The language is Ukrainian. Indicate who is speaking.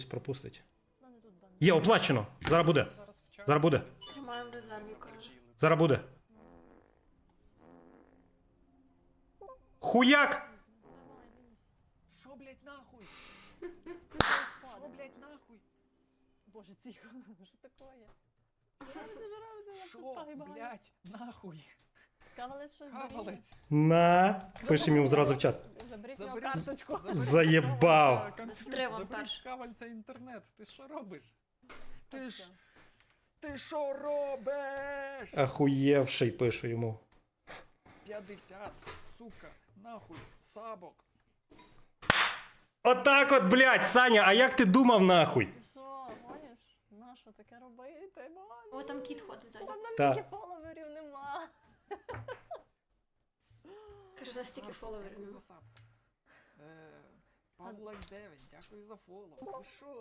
Speaker 1: пропустить. Є, оплачено. Зараз буде. Зараз буде.
Speaker 2: Тримаємо в резерві, каже.
Speaker 1: Зараз буде. Хуяк!
Speaker 3: Шо, блядь, нахуй? Шо, блядь, нахуй?
Speaker 4: Боже, тихо, що таке? Зажирався на
Speaker 3: Шо,
Speaker 4: кустах і багато.
Speaker 3: блядь, нахуй?
Speaker 4: Кавалець щось беріть.
Speaker 3: Кавалець.
Speaker 1: На. Пишемо йому зразу в чат.
Speaker 4: Заберіть його
Speaker 3: Заберіть.
Speaker 4: карточку.
Speaker 1: Заєбав.
Speaker 2: Затримав
Speaker 3: Заберіть
Speaker 2: перш.
Speaker 3: кавальця інтернет. Ти що робиш? Ти
Speaker 4: Так,
Speaker 3: ж...
Speaker 4: все.
Speaker 3: Ти що робиш?
Speaker 1: Ахуєвший, пишу йому.
Speaker 3: 50, сука, нахуй, сабок.
Speaker 1: Отак от, блядь, Саня, а як ти думав нахуй?
Speaker 4: Ти що, гониш? На що таке робити?
Speaker 2: О, там кіт ходить ззаді.
Speaker 4: Там
Speaker 1: Та.
Speaker 4: настільки фоловерів нема.
Speaker 2: Каже, за стільки фоловерів.
Speaker 3: Дякую за саб. Падлак 9, дякую за фоло. Ви що?